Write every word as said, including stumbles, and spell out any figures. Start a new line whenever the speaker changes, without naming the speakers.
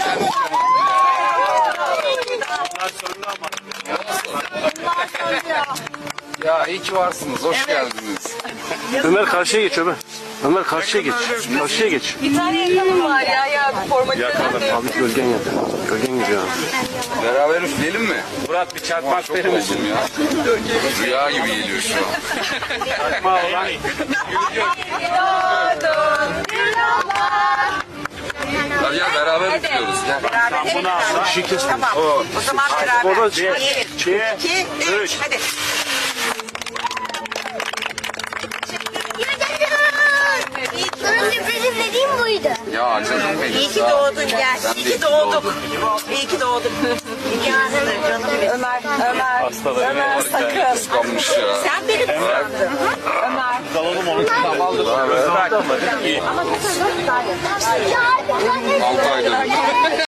Ya iyi ki varsınız. Hoş geldiniz.
Ömer karşıya geç Ömer. Ömer karşıya geç. Karşıya geç.
Bir tane yakalım var ya ya formatörden de yok.
Abi gölgen yap. Gölgen gidiyor.
Beraber üfleyelim mi?
Murat bir çakmak verir misin?
Ya. Rüya gibi geliyor şu an. Hadi ya beraber üflüyoruz. Gel.
Bunu al. Şişi kesme.
Tamam. O zaman beraber.
Oradan
Bir, iki, üç. Hadi.
Sana sürprizim dediğim buydu.
Ya canım benim.
İyi ki doğdun gel. İyi ki doğduk. İyi ki doğduk. İyi ki doğdun canım benim. Ömer, Ömer, Ömer sakın.
Kıskanmış ya.
Sen beni kıskandın. Ömer.
Altı aydır.